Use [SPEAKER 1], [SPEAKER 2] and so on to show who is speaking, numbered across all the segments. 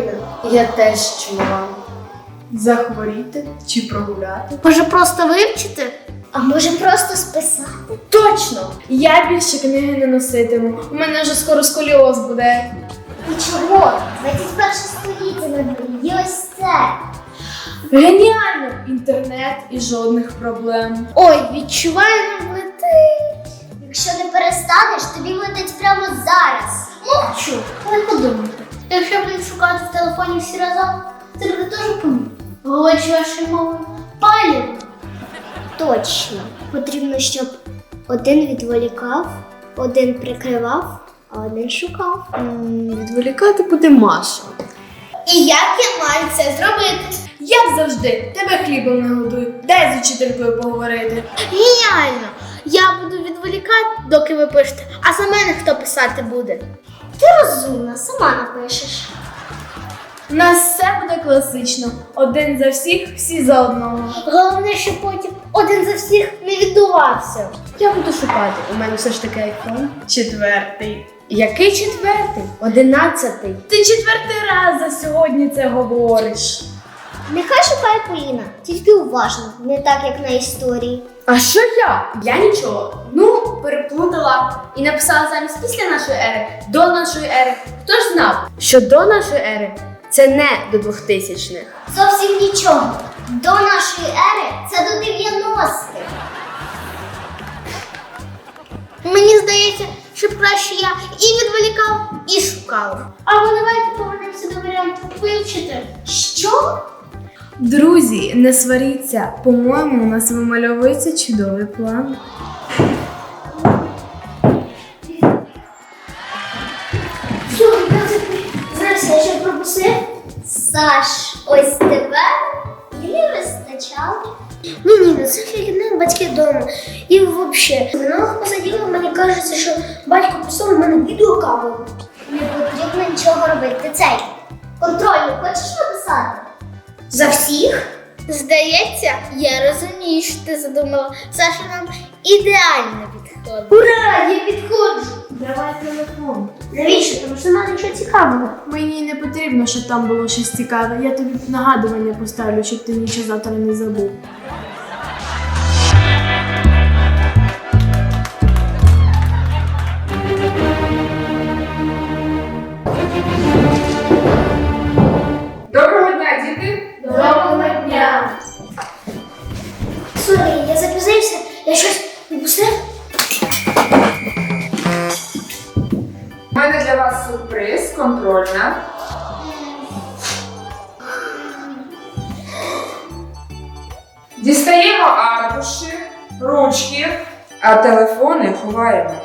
[SPEAKER 1] Поліна.
[SPEAKER 2] Я теж чула. Захворіти чи прогуляти?
[SPEAKER 1] Може просто вивчити? А може просто списати?
[SPEAKER 2] Точно! Я більше книги не носитиму. У мене вже скоро сколіоз буде.
[SPEAKER 1] І чого? 21 століття на дворі. І ось це.
[SPEAKER 2] Геніально! Інтернет і жодних проблем.
[SPEAKER 1] Ой, відчуваю, нам летить. Якщо не перестанеш, тобі летить прямо зараз. Мовчу, але подумайте. Якщо будемо шукати в телефоні всі разом, це буде дуже помітно. Говорячи вашою мовою, палів. Точно. Потрібно, щоб один відволікав, один прикривав, а один шукав.
[SPEAKER 2] Відволікати буде Маша.
[SPEAKER 1] І як я маю це зробити?
[SPEAKER 2] Як завжди, тебе хлібом не годують. Дай з учителькою поговорити.
[SPEAKER 1] Геніально! Я буду відволікати, доки ви пишете, а за мене хто писати буде? Ти розумна, сама напишеш.
[SPEAKER 2] У нас все буде класично. Один за всіх, всі за одного.
[SPEAKER 1] Головне, щоб потім один за всіх не віддувався.
[SPEAKER 2] Я буду шукати. У мене все ж таки айфон. 4. Який 4? 11. Ти 4-й раз за сьогодні це говориш.
[SPEAKER 1] Нехай шукає Поліна, тільки уважно, не так, як на історії.
[SPEAKER 2] А що я? Я нічого. Ну, переплутала і написала замість після нашої ери, до нашої ери. Хто ж знав, що до нашої ери це не до 2000-х.
[SPEAKER 1] Зовсім нічого. До нашої ери це до 90-х. Мені здається, що краще я і відволікав, і шукав. Або давайте повернемося до варіанту вивчити. Що?
[SPEAKER 2] Друзі, не сваріться. По-моєму, у нас вимальовується чудовий план.
[SPEAKER 1] Що, знаєш, я ще пропустив? Саш, ось тебе і не вистачало. Ні, ну це фігня, батьки вдома. І взагалі, минулого посаділа, мені кажеться, що батько писав у мене відеокамеру. Не потрібно нічого робити. Ти цей контрольний хочеш написати? За всіх? Здається, я розумію, що ти задумала. Саша нам ідеально підходить. Ура! Я підходжу!
[SPEAKER 2] Давай телефон.
[SPEAKER 1] Навіщо? Тому що немає нічого цікавого.
[SPEAKER 2] Мені не потрібно, щоб там було щось цікаве. Я тобі нагадування поставлю, щоб ти нічого завтра не забув.
[SPEAKER 3] Доброго дня, діти!
[SPEAKER 2] Доброго дня!
[SPEAKER 1] Сорі, я запізнився. Я щось відпустив?
[SPEAKER 3] У мене для вас сюрприз, контрольна. Дістаємо аркуші, ручки, а телефони ховаємо.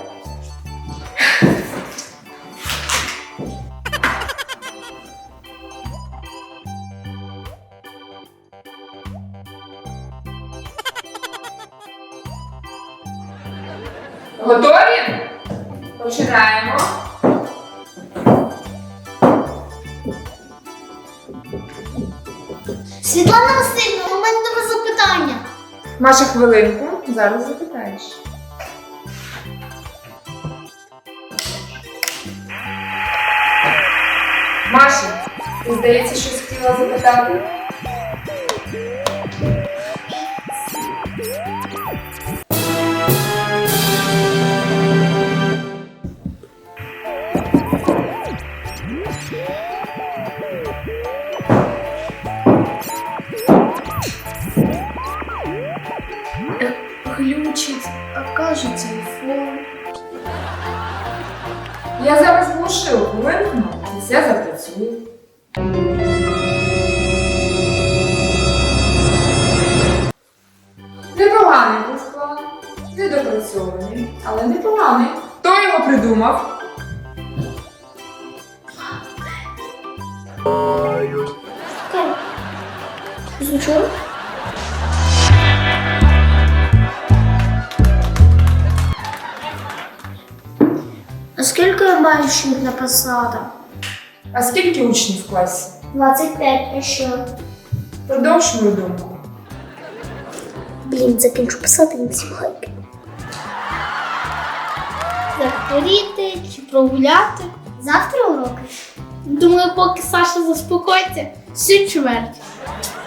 [SPEAKER 3] Готові? Починаємо.
[SPEAKER 1] Світлана Васильівна, у мене до вас запитання.
[SPEAKER 3] Маша, хвилинку, зараз запитаєш. Маша, ти, здається, щось хотіла запитати?
[SPEAKER 2] Глючить, а кажуть, айфон.
[SPEAKER 3] Я зараз глушилку вимкну, і все запрацює. Непоганий був план. Недопрацьований, але непоганий. Хто його придумав?
[SPEAKER 1] Звучало? А скільки я маю ще їх написати?
[SPEAKER 3] А скільки учнів в класі?
[SPEAKER 1] 25, а що?
[SPEAKER 3] Продовж мою думку.
[SPEAKER 1] Блін, закінчу писати і всім хайки. Захворіти чи прогуляти? Завтра уроки?
[SPEAKER 4] Думаю, поки Саша заспокоїться, всю чверть.